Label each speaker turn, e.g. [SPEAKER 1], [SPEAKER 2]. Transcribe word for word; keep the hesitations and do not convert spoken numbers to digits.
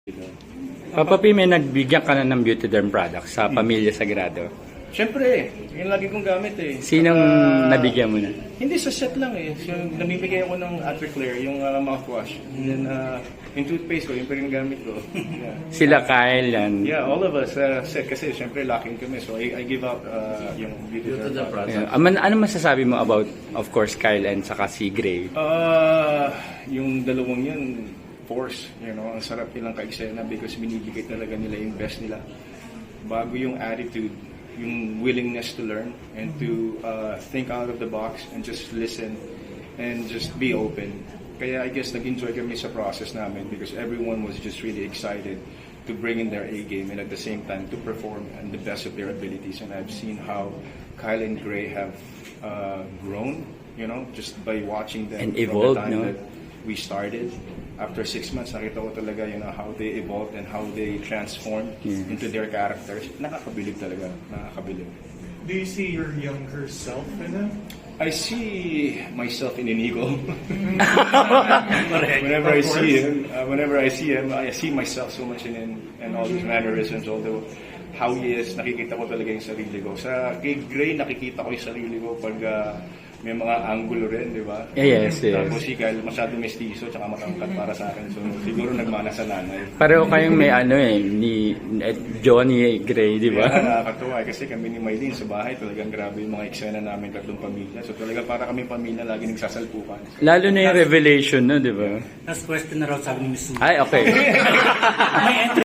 [SPEAKER 1] Papa P, may nagbigyan ka na ng beauty derm products sa Pamilya Sagrado.
[SPEAKER 2] Siyempre, yun lagi kong gamit eh.
[SPEAKER 1] Sinong
[SPEAKER 2] Saka,
[SPEAKER 1] nabigyan mo na?
[SPEAKER 2] Hindi sa set lang eh. So, namimigay ako ng Attraclear, yung uh, mouthwash. And then, uh, yung toothpaste ko, yung pa rin gamit ko. Yeah.
[SPEAKER 1] Sila Kyle yan.
[SPEAKER 2] Yeah, all of us uh, set kasi siyempre lacking kami. So, I, I give out uh, yung beauty derm products.
[SPEAKER 1] Yeah. Ano, ano masasabi mo about, of course, Kyle and saka si Gray?
[SPEAKER 2] Uh, yung dalawang yun, force, you know, ang sarap nilang ka-eksena because binibigay talaga nila yung best nila. Bago yung attitude, yung willingness to learn and to uh, think out of the box and just listen and just be open. Kaya I guess nag-enjoy kami sa process namin because everyone was just really excited to bring in their A game and at the same time to perform and the best of their abilities. And I've seen how Kyle and Gray have uh, grown, you know, just by watching them
[SPEAKER 1] and
[SPEAKER 2] from
[SPEAKER 1] evolved,
[SPEAKER 2] the time
[SPEAKER 1] no?
[SPEAKER 2] that we started. After six months, nakita ko talaga you know, how they evolved and how they transformed
[SPEAKER 1] Yeah.
[SPEAKER 2] into their characters. Nakakabilib talaga. Nakakabilib.
[SPEAKER 3] Do you see your younger self in them?
[SPEAKER 2] I see myself in Inigo.
[SPEAKER 3] Correct.
[SPEAKER 2] whenever I
[SPEAKER 3] Of
[SPEAKER 2] see
[SPEAKER 3] course.
[SPEAKER 2] him, uh, whenever I see him, I see myself so much in him and all his mannerisms. Although how he is, nakikita ko talaga yung sarili ko. Sa kay Gray, nakikita ko yung sarili ko pag uh, may mga angulo rin, di ba?
[SPEAKER 1] Yeah, yes, yes.
[SPEAKER 2] Tapos si Kyle, masyado mestizo, tsaka matangkad para sa akin. So siguro nagmana sa nanay.
[SPEAKER 1] Pareho kayong may ano eh, ni eh, Johnny Gray, di ba?
[SPEAKER 2] Kaya nakakatuwa eh, kasi kami ni Maylene sa bahay talagang grabe yung mga eksena namin tatlong pamilya. So talaga para kami pamilya lagi nagsasalpukan.
[SPEAKER 1] Lalo na yung revelation, no, di ba?
[SPEAKER 4] Last question na raw sabi ni Miss Sue.
[SPEAKER 1] Ay, okay.
[SPEAKER 4] May